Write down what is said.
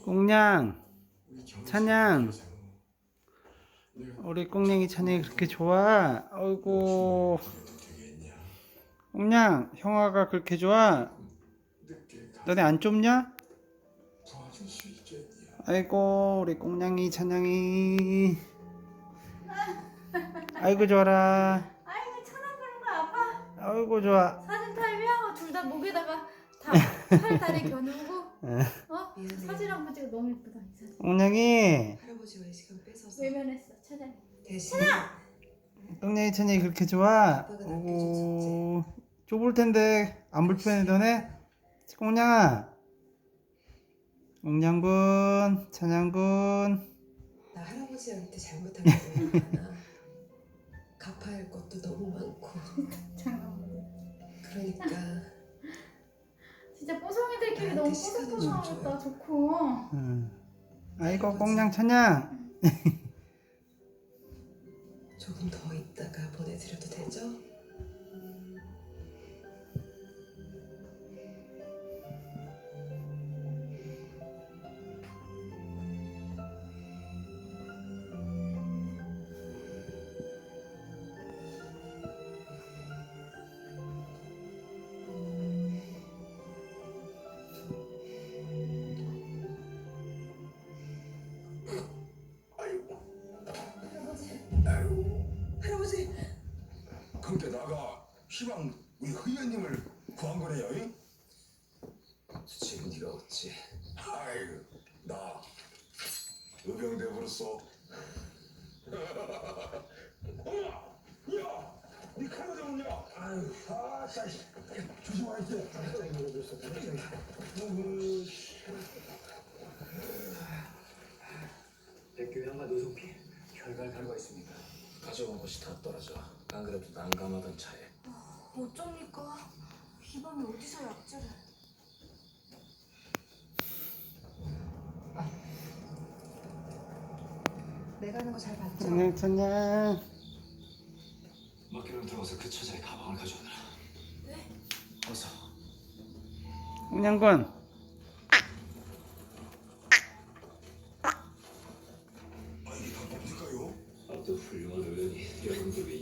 꽁냥, 찬양. 우리 꽁냥이 찬양이 그렇게 좋아? 어이구. 꽁냥, 형아가 그렇게 좋아? 너네 안 좁냐? 아이고, 우리 꽁냥이 찬양이. 아이고, 좋아라. 아이고 천안 가는 거 아빠. 아이고, 좋아. 사진 타임이야. 둘 다 목에다가 다 팔 다리 겨누고. 사진 한 번 찍어. 너무 예쁘다 이 사진. 꽁냥이, 할아버지가 이 시간 뺏어서 외면했어 찬양. 대신 꽁냥이 찬양이 그렇게 좋아? 어이구, 좁을 텐데 안 불편해 너네? 꽁냥아, 꽁냥군, 찬양군. 나 할아버지한테 잘못한 게 너무 많아. 갚아야 할 것도 너무 많고. 잠깐만. 그러니까 진짜 뽀송이들끼리 너무 나한테 시간을 좀 뽀송뽀송하겠다. 좋고. 아이고 꽁냥 찬양. 조금 더 있다가 보내드려도 되죠? 할아버지! 그렇게 나가 시방 우리 의원님을 구한 거네요. 이? 지금 네가 어찌 아이고 나 의병대 버렸어. 어머, 야, 네 칼 어디 냐 아유, 자식, 조심하세요. 백교양과 노송피 혈관 결과 있습니다. 가져온 것이 다 떨어져. 안 그래도 난감하던 차에. 어쩝니까? 이 밤에 어디서 약재를? 내가 하는 거 잘 봤죠? 찬양 찬양. 맡기로 들어가서 그 처자의 가방을 가져오너라. 네? 어서. 꽁냥군. 아 이게 다 뭡니까요? 아또 훌륭한 의원이 여러분들 위해